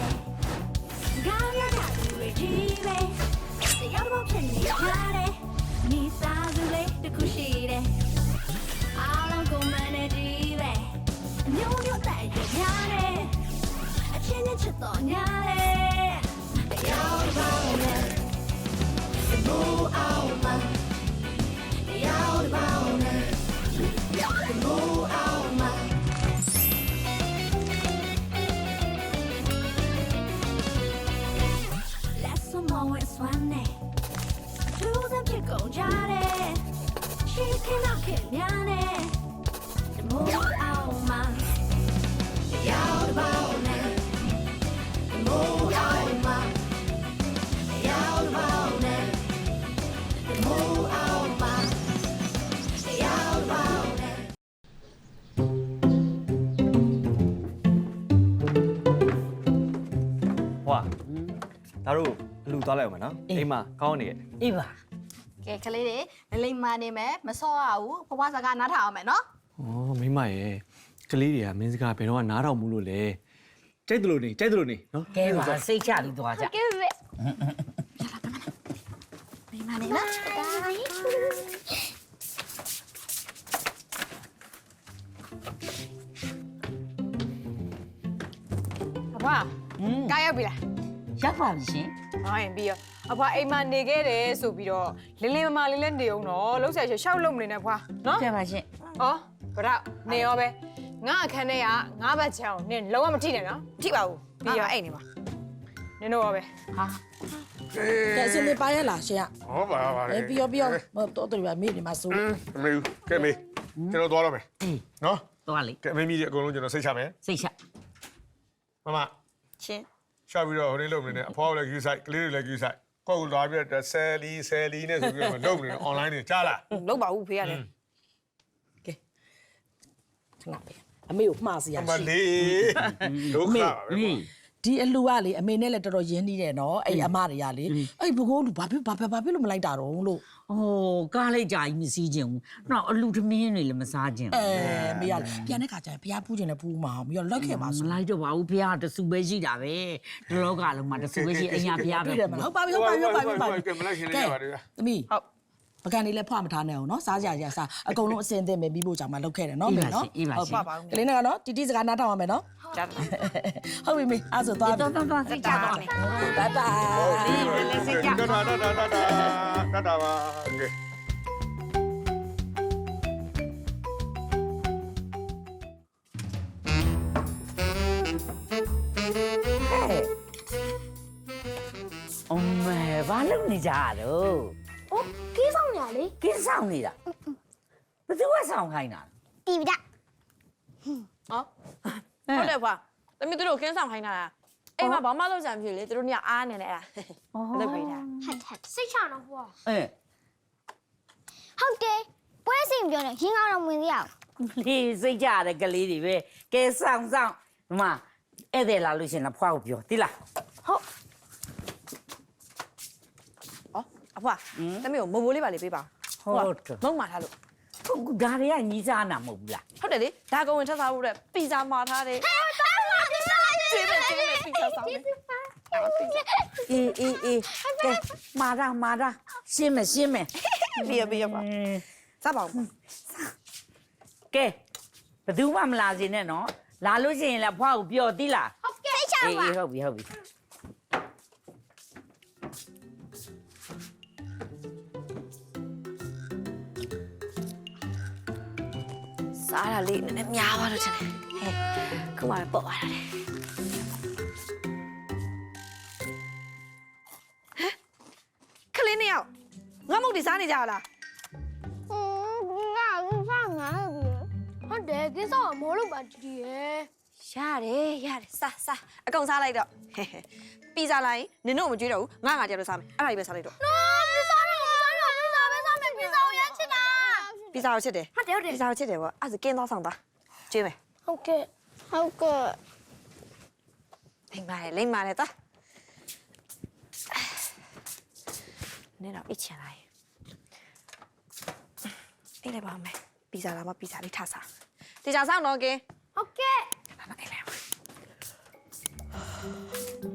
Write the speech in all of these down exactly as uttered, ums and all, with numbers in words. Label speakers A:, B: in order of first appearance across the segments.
A: 가야 가두의 집에 여러 편이 잘해 네 사줄래 듣고시래 알람 고만의 집에 뇨뇨 딸기 미안해 아침에 쳤더냐래 여기 봐오네 무아오마 여기 봐오네 무아오마 뭐에 쏘네 두잔 피고 잘해 쉽게 넣게 미안해 무아오마 여기 봐오네 무아오마 여기 봐오네 무아오마 여기 봐오네
B: 와 나로လူသွားလိုက်အောင်မနော်အိမ်မှာကောင်းနေရဲ့
C: အေးပါ
D: ကဲကလေးတွေလိမ့်လိမ့်မာနေမယ်မစောရဘူးဖွားဖွားစကားနားထောင်အောင်မယ်နော်
B: ဩမိမရဲ့ကလေးတွေကမင်းစကားဘယ်တော့မှနားထောင်မှုလို့လေကြိုက်တယ်လို့နေကြိုက်တယ်လို့နေနော်
C: ကဲပါစိတ်ချပြီးသွားကြ
D: ကဲပဲလိမ့်မာနေနော်အဖွားကားရောက်ပြီလား
C: ရောက်ပါပြီရှင်
E: ဟိုင်းပြီးတော့အဖွားအိမ်မှာနေခဲ့တယ်ဆိုပြီးတော့လင်းလင်းမမလေးလည်းနေအောင်တော့လှုပ်ဆက်ရှောက်လုံးမနေနဲ့ဖွာနော်
C: ကြပါရှင်
E: ဟောဗရနေရောပဲငါအခန်းထဲကငါးဘတ်ချောင်းနင်လုံးဝမထိနဲ့နော်မထိပါဘူးပြီးရောအဲ့နေပါနင်တို့ရောပဲ
C: ဟာ
F: ကဲအစင်းလေးပါရလားရှင်က
G: ဟောပါပါ
F: အဲပြီးရောပြီးရောမတော်တော်ပါမိနေမှာစိုး
G: အမေကဲမေကျွန်တော်သွားတော့မယ်
C: အေး
G: နော်
C: သွားလေ
G: ကဲအမေကြီးအကုန်လုံးကျွန်တော်စိတ်ချမယ်
C: စိတ်ချ
G: မမ
D: ချင်း
G: ရှာပြီးတော့ဟိုနေ့လုပ်နေတယ်အဖွားကလည်းယူဆိုင်ကလေးတွေလည်းယူဆိုင်ကိုယ်ကလာပြီးတော့ဆယ်လီဆယ်လီနဲ့ဆိုပြီးတော့လုပ်နေတယ် online တွေကြားလား
E: လုံးပါဘူးဖေးရတယ်
F: ကဲခဏပဲအမေကိုမှားစီရ
G: အမ
F: ရှိ
G: လေးဒုက္ခပဲ
C: ဟေး
F: ဒီအလူကလေအမေနဲ့လည်းတော်တော်ရင်းနှီးတယ်နော်အဲ့အမတွေကလေအဲ့ဘကိုးလူဘာဖြစ်ဘာဖြစ်ဘာဖြစ်လို့မလိုက်တာတော့လို့
C: အိုးကားလိုက်ကြကြီးမစည်းခြင်းဘူးနောက်အလူသမင်းတွေလည်းမစားခြင်း
F: အဲမေရပြန်တဲ့ခါကျရင်ဘုရားဖူးခြင်းလည်းဖူးမှာမရောလိုက်ခဲ့ပါ
C: မ
F: ဆို
C: လိုက်တော့ပါဘူးဖះတဆူပဲရှိတာပဲဒီလောကလုံးမှာတဆူပဲရှိအညာဖះပဲ
F: တွေ့တယ်မလားဟုတ်ပါပြီဟုတ်ပါပြီဟုတ်ပါပြီဟုတ်ပါပြီ
G: ကဲမလိုက်ရှင်လေးရပါတယ်ဗျာ
F: သမီးဟုတ်ပကံလေးလည်းဖွာမထားနဲ့အောင်နော်စားကြရစားအကုန်လုံးအစင်အသင့်ပဲပြီးဖို့ကြောင့်မလောက်ခဲ့တယ်နော်မေနော်
C: အေးပါရှင်
F: ကလေးနဲ့ကနော်တီတီစကားနားထောင်ရမယ်နော်
E: ကြားတယ်
F: ဟုတ်ပြီမေအဲ့ဆိုသွားပြီ
C: တော်တော်တော်စိတ်ချသွားမယ်
F: တာတာ
C: ဒီလည်းစိတ်ချ
G: တာတာတာတာတာတာပါကဲ
C: အမေဘာလုပ်နေကြတော့
A: 어? 끼성이야 래?
C: ကင်းဆောင်နေတာဘယ်သူကဆောင်ခိုင်းတာ
A: 띠비다
E: ဟောဟုတ်တယ်ဖွာတမီးတို့ကင်းဆောင်ခိုင်းတာလားအိမ်မှာဘာမှလုပ်ကြံဖြစ်လေတို့ညအားနေတယ်အဲ့ဒါလုပ်ပေးတာ
A: 핫핫 시차나 봐
C: အဲ
A: ဟုတ်တယ်ပွဲစင်ပြောနေရင်းကောင်းတော့ဝင်ရအောင်
C: လေးစိတ်ကြတဲ့ကလေးတွေပဲကဲဆောင်ဆောင်ဒီမှာဧည့်သည်လာလို့ရှရင်လားဖွားကိုပြောတိလား
A: ဟုတ်
E: ဟောအဖွာတမီးကိုမိုးမိုးလေးပါလေးပေးပါ
C: ဟုတ်တယ်
E: မုံမာထားလို့
C: ဟုတ်ဒါတွေကညီးစားနာမဟုတ်ဘူးလား
E: ဟုတ်တယ်လေဒါကုံဝင်ထပ်စားဖို့တဲ့ပီဇာမာထားတယ်ကျေးဇူးကျေးဇူးပီဇာဆောင်တယ်
C: အေးအေးအေးကဲမာရာမာရာရှင်းမယ်ရှင်းမယ်
E: ပြီးရပြီးရပါစားပါဦး
C: ကဲဘယ်သူမှမလာစေနဲ့နော်လာလို့ရှိရင်လည်းဖွားကိုပြောတိလား
A: ဟုတ်ကဲ့စိတ်ချ
C: အေး
A: ပါ
C: အေးဟုတ်ပြီဟုတ်ပြီ
D: စားတာလေးနည်းနည်းများသွားတော့ချင်တယ်ဟဲ့ခုမှပဲပေါ့သွားတာလေဟမ်ခလေးနှစ်ယောက်ငါမုတ်ဒီစားနေကြလား
A: 음ငါငါဟုတ်တယ်ကိစ္စကမောလို့ပါကြည့်ရဲ့
D: ရတယ်ရတယ်စားစားအကုန်စားလိုက်တော့ဟဲ့ဟဲ့ပီဇာလိုက်နင်တို့မကြွေးတော့ဘူးငါငါကြတော့စားမယ်အဲ့ဒါကြီးပဲစားလိုက်တော့
A: နော်ပစ္စည်းတော့ပစ္စည်းတော့ပစ္စည်းပဲစားမယ်ပစ္စည်းကိုရချစ်တာ
D: ပီဇာကိုချစ်တယ်
A: ဟုတ်တယ်ဟုတ်တယ်
D: ပီဇာကိုချစ်တယ်ဗောအဲ့ဒါကင်းသွားဆောင်သွားကျွေးမယ်
A: ဟုတ်ကဲ့ဟုတ်ကဲ့
D: လိမ့်ပါတယ်လိမ့်ပါတယ်သွားနင်တော့အိတ်ချင်လိုက်အိတ်လိုက်ပါမယ်ပီဇာလာမပီဇာလေးထားစားတေချာဆောင်တော့ကင်း
A: ဟုတ်ကဲ့
D: ဘာမအိတ်လိုက်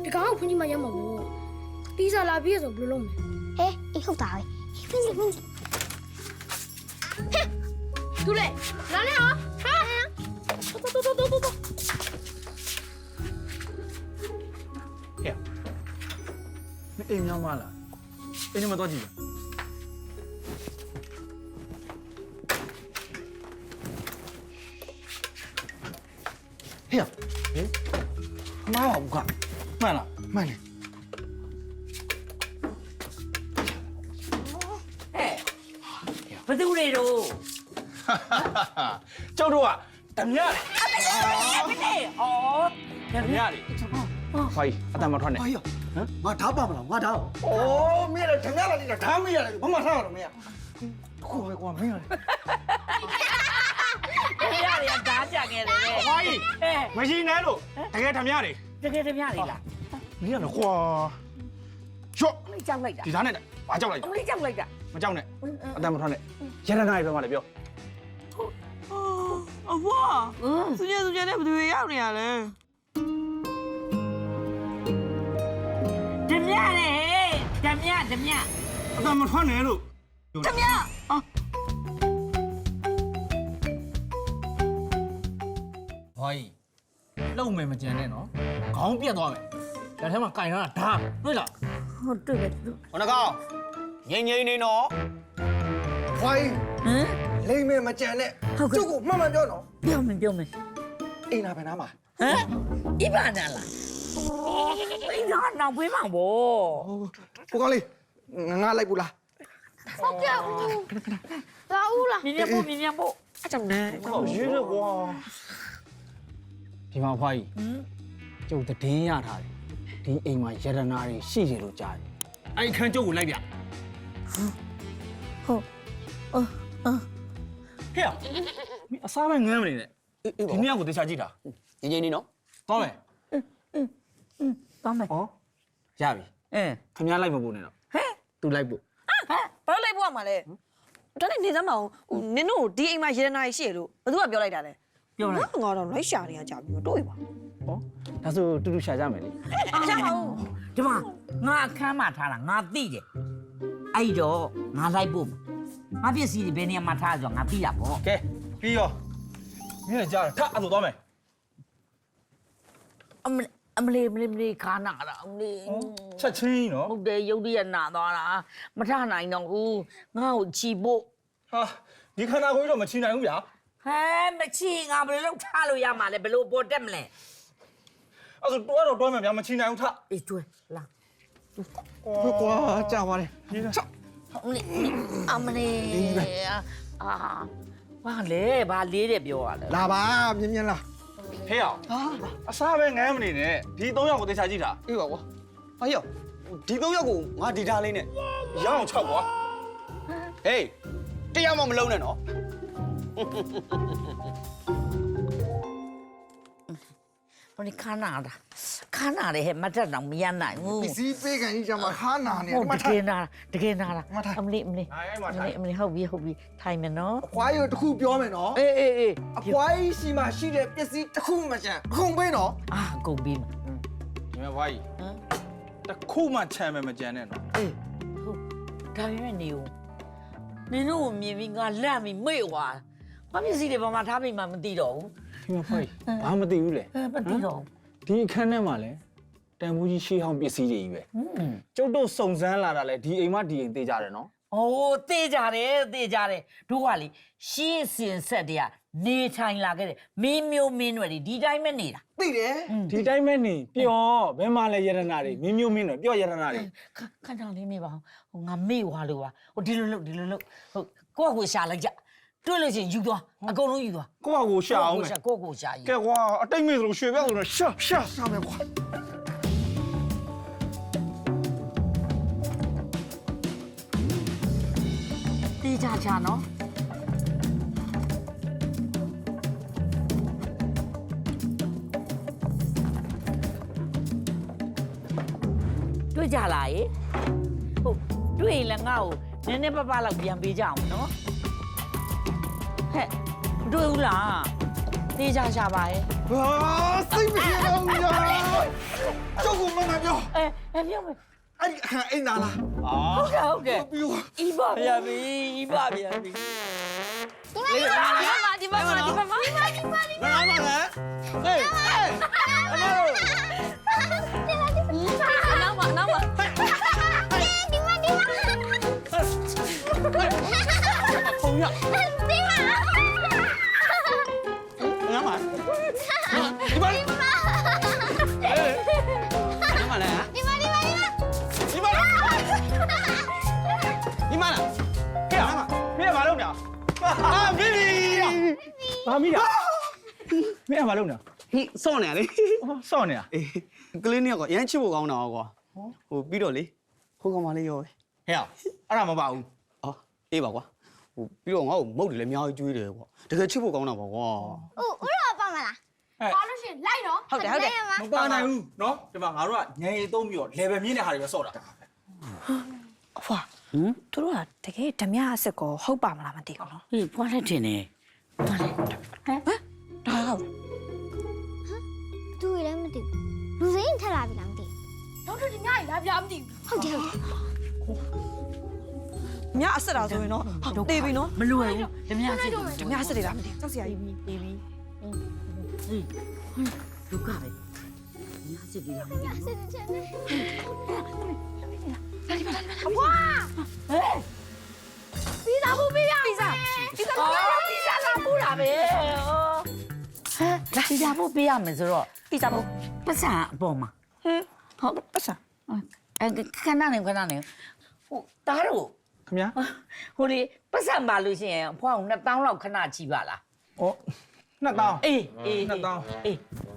A: ဒီကောင်ကဖွင့်ကြည့်မှရမှာပေါ့ပီဇာလာပြီးရဆိုဘယ်လိုလုပ်မလဲဟဲ့အေးဟုတ်တာပဲဖွင့်ကြည့်ဖွင့်ကြည့်ဟဲ့သူလေလာနေအောင်ဟာတော်တော်တော်တော်တော်
B: မအိမ်များမလားအိမ်ထဲမှာတော့ကြည့်
H: ဟေ့ဟေးမားဘူးကမှန်လားမှန်တယ်
C: ဘသူတွေတို့
H: ကျုပ်တို့ကဓမြလေ
C: မနေ့ဩဓ
H: ဓမြလေဖိုင်အတမထွက်နေ
I: 哎呀，我打爸爸了，我打。
H: အိုးမင်းလည်းဓမြလာနေတာဓာမရလေဘာမှထားရတော့မင်းခုပဲကွာမင်းလေ
C: မြရရဓာကြခဲ့တယ်
H: ဖိုင်
C: အဲ
H: မရှိနဲ့လို့တကယ်ဓမြလေ
C: တကယ်ဓမြတွေလား
H: မင်းလည်းကွာချော့
C: အမလေးကြောက်လိုက်တာ
H: ဒီသားနဲ့ဘာကြောက်လိုက်
C: အမလေးကြောက်လိုက်တာ
H: မကြောက်နဲ့အတမထွက်နဲ့ရတနာရေပြောမှလည်းပြော
E: အဘွားသူညသူညနဲ့ဘယ်သူရောက်နေရလဲ
C: ဓမြလေဓမြဓမြ
H: အတမထွက်နဲ့လို့
C: ဓမြ
B: ဟိုင်းလုံမယ်မကြံနဲ့နော်ခေါင်းပြတ်သွားမယ်လက်ထဲမှာကင်ထားတာဓာတွေ့လား
C: ဟုတ်တွေ့ပဲ
H: ဟောနကောင်ငိမ့်ငိမ့်နေနော်ဖိုင်
C: ဟမ်
H: လိမ့်မယ်မကြံနဲ့ကျုပ်ကိုမှန်မှန်ပြောနော်
C: ပြောမယ်ပြောမယ်
H: အိမ်နာဘယ်နာမှာ
C: ဟမ်ဣဗာနာလားအိမ်နာနောက်ပေးမှာဗော
H: ကိုကောင်းလေးငါလိုက်ဘူးလား
A: ဟုတ်ကဲ့လာဦးလား
C: မြင်မြင်ဖို့မြင်မြင်ဖို့
E: အကြောင်းနဲ့
H: ဟောရေးရကွာ
B: ဒီမှာဖွားကြီးကျုပ်တည်င်းရထားတယ်ဒီအိမ်မှာရတနာတွေရှိတယ်လို့ကြားတယ်အဲ့ခန်းကျုပ်ကိုလိုက်ပြ
C: ဟုတ်အော်အော်
B: ဟဲ့မင်းအစားပဲငမ်းမနေနဲ့ဒီနေ့ကိုတေချာကြည့်တာ
H: ငင်းငင်းနေနော်
B: သွားမယ်
C: တောင်းမယ်
B: ဟောရပြီ
C: အင်း
B: ခင်ဗျားလိုက်မပို့နဲ့တော့
C: ဟဲ့
B: သူလိုက်ပို့
D: ဘာလို့လိုက်ဖို့ရမှာလဲဒါနဲ့နေစမ်းမအောင်ဟိုနင်တို့ဒီအိမ်မှာရေနာရှိရလို့ဘယ်သူကပြောလိုက်တာလဲ
C: ပြောလိုက်
D: ငါတော့လိုက်ရှာနေရကြပြီတို့ပါ
B: ဟောဒါဆိုတူတူရှာကြမယ်လေ
D: ရှာအောင်
C: ဒီမှာငါအခန်းမှာထားတာငါသိတယ်အဲ့တော့ငါလိုက်ဖို့ငါပစ္စည်းတွေဘယ်နေရာမှာထားဆိုငါသိတာပေါ့
B: ကဲပြီးရောမင်းလည်းကြားတယ်ထအဲ့လိုသွားမယ်
C: အမအမလေးအမလေးအမလေးခါနာတာအမလေး
B: ချက်ချင်းနော်
C: ဟုတ်တယ်ရုပ်တရက်နာသွားတာမထနိုင်တော့ဘူးငါ့ကိုချီဖို့
B: ဟာဒီခန္ဓာကိုယ်တော့မချီနိုင်ဘူးဗျာ
C: ဟဲမချီငါဘယ်လိုလုပ်ထားလို့ရမှာလဲဘယ်လိုပေါ်တက်မလဲ
B: အဲ့ဆိုတွဲတော့တွဲမယ်ဗျာမချီနိုင်ဘူးထ
C: အေးကျွဲလာ
H: ဟုတ်ကွာကြာပါလေ
B: ဒီက
C: အမလေးအမလေးအာဘာလဲဘာလေးတယ်ပြောရလဲ
H: လာပါမြင်းမြင်းလာ
B: ဟဲ့အောင်အစားပဲငမ်းမနေနဲ့ဒီသုံးယောက်ကိုတေချာကြည့်တာ
H: အေးပါကွာဟာယောဒီသုံးယောက်ကိုငါဒီထားလေးနဲ့
B: ရအောင်၆ကွာ
H: ဟေးတရားမှမလုံးနဲ့နော်
C: ဟိုဒီခါနာတာခါနာတယ်ဟဲ့မတ်တက်တော့မရနိုင်ဘူး
H: ပစ္စည်းပေးကန်ကြီးကျမှခါနာနေ
C: ဟုတ်တ
H: မ
C: က
H: ထား
C: ယ်နာတကယ်နာတာ
H: မထား
C: အမလေးအမလေး
B: အဲ့အဲ့မှာ
C: အမ
B: ထိုင်
C: လေးအမလေးဟုတ်ပြီဟုတ်ပြီထိုင်မယ်နော်
H: အဖွားရတခုပြောမယ်နော်
C: အေးအေးအေး
H: အဖွားကြီးရှိမှရှိတဲ့ပစ္စည်းတစ်ခုမှချန်ခုံပေးနော်
C: အာကုန်ပြီမ
B: ဒီမှာဘွားကြီး
C: ဟမ်
B: တခုမှချမ်းမယ်မကြံနဲ့နော်
C: အေးဟုတ်ဒါပေမဲ့နေဦးနင်တို့ကိုမြင်ပြီးငါလန့်ပြီးမေ့သွားဘာပစ္စည်းတွေဘာမှထားပြီးမှမသိတော့ဘူး
B: ဒီမှာဘွားကြီးဘာမသိဘူးလေ
C: အဲမသိတော့
B: ဒီအခန်းထဲမှာလဲတန်ဖိုးကြီးရှေးဟောင်းပစ္စည်းတွေကြီးပဲ
C: ဘူးဟွန်း
B: ကျုပ်တို့စုံစမ်းလာတာလဲဒီအိမ်မဒီအိမ်သေးကြတယ်နော်
C: ။အိုးသေးကြတယ်သေးကြတယ်တို့ကလေရှေ့စင်ဆက်တည်းကနေထိုင်လာခဲ့တယ်မင်းမျိုးမင်းတွေဒီတိုင်းပဲနေတာ
H: သိတယ်
B: ဒီတိုင်းပဲနေပျော်ဘယ်မှာလဲယရနာတွေမင်းမျိုးမင်းတွေပျော်ယရနာတွေ
C: ခခဏလေးမေးပါဦးဟိုငါမေ့သွားလို့ပါဟိုဒီလိုလုပ်ဒီလိုလုပ်ဟုတ်ကိုယ့်ကိုရှာလိုက်ကြတွေ့လို့ချင်းယူသွားအကုန်လုံးယူသွား
B: ကိုယ့်ဟာကိုရှာအောင်မယ်
C: ကိုယ့်ကိုရှာယူ
B: ကဲကွာအတိတ်မေဆိုလို့ရွှေပြောက်ဆိုတော့ရှာရှာ
H: ရှာမယ်ကွာ
C: တေးကြချာနော်တွေ့ကြလားရေဟုတ်တွေ့ရင်လည်းငါ့ကိုနည်းနည်းပပလောက်ပြန်ပေးကြအောင်နော်ဟဲ့တွေ့ဘူးလားတေးကြရှာပါရဲ့
H: ဟာစိတ်မပြေတော့ဘူးညာကျုပ်ကမမပြော
C: အဲအဲပြောမယ်
H: အဲ့ဒီအိမ်သားလား
C: ဟုတ်ကဲ့ဟုတ်ကဲ့
H: ပြီး
C: ဤပါဗျာဘီဤပါဗျာဘီ
D: ဒီမှာဒီမှာဒီမှာဒီမှာဒီမှာဒီမှာ
H: ငါလာပါလားဟေးဟေးအမေ
D: နောက်မှာနောက်မှာ
A: ဒီမှာဒီမှာ
H: ပုံရ
A: ဒီမှာ
H: ငါမဒီမှာဟေးငါမလား
A: ဒီမှာဒီမှာဒီမှာ
H: ဒီမှာဒီမှာလားဟေးမင်းကဘာလုပ်နေအာဘီဘီဘာမိတာမင်းကဘာလုပ်နေ
I: ဟိစော့နေရလေ
H: စော့နေတာ
I: အေးကလေးနှစ်ယောက်ကရမ်းချစ်ဖို့ကောင်းတာကွာဟိုပြီးတော့လေဟိုကောင်မလေးရောပဲ
H: ဟဲ့အဲ့ဒါမပါဘူး
I: အော်အေးပါကွာဟိုပြီးတော့ငါ့ကိုမုတ်တယ်လည်းအများကြီးကျွေးတယ်ကွာတကယ်ချစ်ဖို့ကောင်းတာပါကွာ
A: ဦးဦးတော့ပါမလားပါလို့ရှင်လိုက်တော့
D: ဟုတ်တယ်ဟုတ်တယ်
H: မပါနိုင်ဘူးเนาะဒီမှာငါတို့ကညံရီသုံးပြီးတော့ level မြင့်တဲ့ဟာတွေပဲစော့တာ
D: အဖွာဟမ်သူတို့ကတကယ်ဓမြအစ်စ်ကိုဟုတ်ပါမလားမသိဘူးနော်
C: ဟေးဖွားလက်တင်နေဖွားလက်
D: ဟမ်ဒါဟုတ်
A: သူလည်းမသိဘူးလူစိမ်းထက်လာပြီလားမသိဘူးတော့ဒီညကြီးလာပြမသိဘူးဟုတ်တယ်ဟုတ်တယ်
D: မြအစ်စ်တာဆိုရင်နော်တေးပြီနော်
C: မလွယ်ဘူးဓမြစစ်
D: ဓမြအစ်စ်တွေလားမသိဘူးကြောက်စရာကြီး
C: တေးပြီဟေးဒုက္ခပဲဓမြစစ်ဒီလားမသိဘူး
A: စစ်စစ်နေ
C: အဖွာဟဲ့
A: ပြီးသားဘူးပြီးရ
C: ပြီးစားပြီးစားပြီးစားလာပူလာပဲဟဲ့ပြီးစားဖို့ပေးရမယ်ဆိုတော့
D: ပြီးစားဖို့
C: ပတ်စံအပေါ်မှာ
D: ဟမ်ဟုတ်ပတ်စံ
C: အဲခဏနေခဏနေဟိုတားတော့
H: ခင်ဗျာ
C: ဟိုလေပတ်စံပါလို့ရှိရင်အဖွားကနှစ်တောင်းလောက်ခဏကြည့်ပါလား
H: ဩနှစ်တောင်း
C: အေးအေး
H: နှစ်တောင်း
C: အေး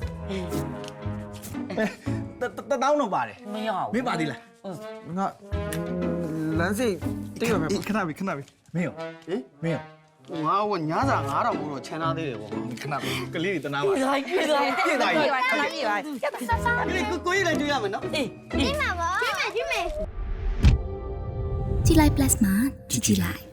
H: တတောင်းတော့ပါတယ်
C: မရဘူး
H: မင်းပါသေးလားငါလမ်းစိတ်တိတ်ရမယ်ခဏပြီခဏပြီမင်းရော
I: ဟင်
H: မင်းရော
I: ငါကညစာငါးတောင်ကိုတော့ချမ်းသာသေးတယ်ကွာ
H: ခဏပြီကလေးတွေတနာပါ
C: ပြေးလိုက်ပြေးလိုက်
H: ပြေးသွားပြီ
D: ပြေးပါခဏပြေးပါ
I: ကလေးကိုကိုကြီးလည်းတွေ့ရမယ်နော်
C: အေး
A: ပြီးမှာပါပြီးမယ်ပြီးမယ်
J: ကြည်လိုက် plus မှာကြည်ကြည်လိုက်